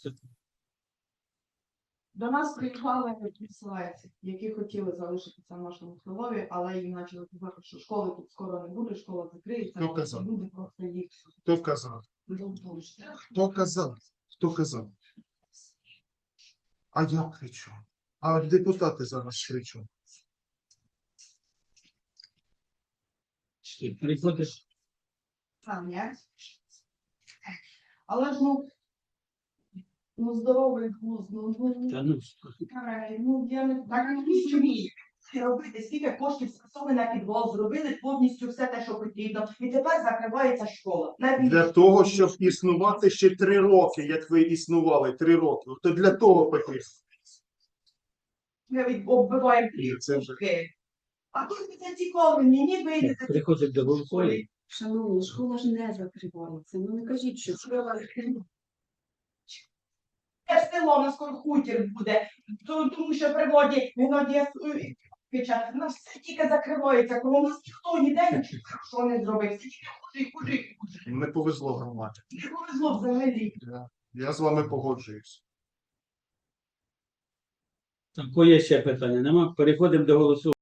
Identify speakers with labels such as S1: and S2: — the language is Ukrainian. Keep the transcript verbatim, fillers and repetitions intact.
S1: До нас приїхали переселенці, які хотіли залишитися в нашому селові, але їм почали казати, що школи тут скоро не буде, школа закриється,
S2: Хто казав?
S1: люди просто їх
S2: Хто казав? Хто казав? Хто казав? А я кричу. А депутати зараз кричу.
S3: Приходиш.
S1: Сам я. Але ж ну, ну здоровий глузд, ну, ну,
S3: Та ну,
S1: Ай, ну я не так не вмію робити, скільки коштів скасовано на підвал, зробили повністю все те, що потрібно, і тепер закривається школа. Навіть
S2: Для того, щоб існувати ще три роки, як ви існували, три роки. То для того потрібно.
S1: навіть оббиваємо
S2: Ні, це вже-
S1: плівки. А тут це цікаво, мені вийдете.
S3: приходить до Волкової.
S4: Шановні, школа ж не закривається. Ну не кажіть, що школа
S1: Це село на скоро хутір буде, то- тому що при воді виноді печать. У нас все тільки закривається, коли у нас ніхто ніде нічого не зробив. Все тільки хуже і хуже і хуже.
S2: Не повезло громаді.
S1: Не повезло взагалі.
S2: Я, я з вами погоджуюсь.
S3: Так, є ще питання? Нема? Переходимо до голосування.